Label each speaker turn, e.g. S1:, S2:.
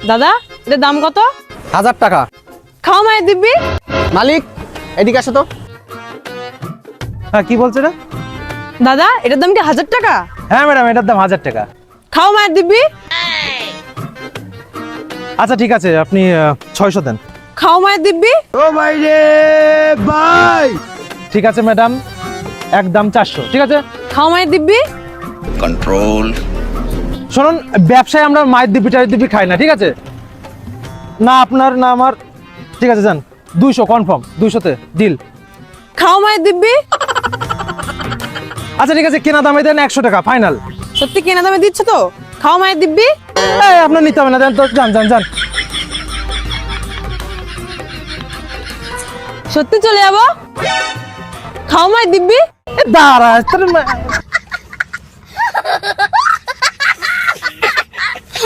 S1: দাদা এটার দাম কত?
S2: 1000 টাকা।
S1: খাও মায়ের দিব্যি।
S2: মালিক এদিকে আসো তো।
S3: হ্যাঁ কি বলছে না?
S1: দাদা এটার দাম কি 1000 টাকা?
S3: হ্যাঁ ম্যাডাম, এটার দাম 1000 টাকা।
S1: খাও মায়ের দিব্যি।
S3: আচ্ছা ঠিক আছে, আপনি 600 দেন।
S1: খাও মায়ের দিব্যি।
S3: ঠিক আছে ম্যাডাম, একদম 400। ঠিক আছে,
S1: খাও মায়ের দিব্যি।
S3: শুনুন, ব্যবসায় আমরা মায়ের দিব্যি টায়ের দিব্যি খাই না, ঠিক আছে? না আপনার না আমার। ঠিক আছে যান, 200 কনফার্ম, 200-তে ডিল।
S1: খাও মায়ের দিব্যি।
S3: আচ্ছা ঠিক আছে, কেনা দামে দেন 100 টাকা ফাইনাল।
S1: সত্যি কেনা দামে দিচ্ছ তো? খাও মায়ের দিব্যি।
S3: আপনার নিতে হবে না, দেন তো, যান যান যান।
S1: সত্যি চলে যাবো? খাও মায়ের দিব্যি।
S3: দাঁড়া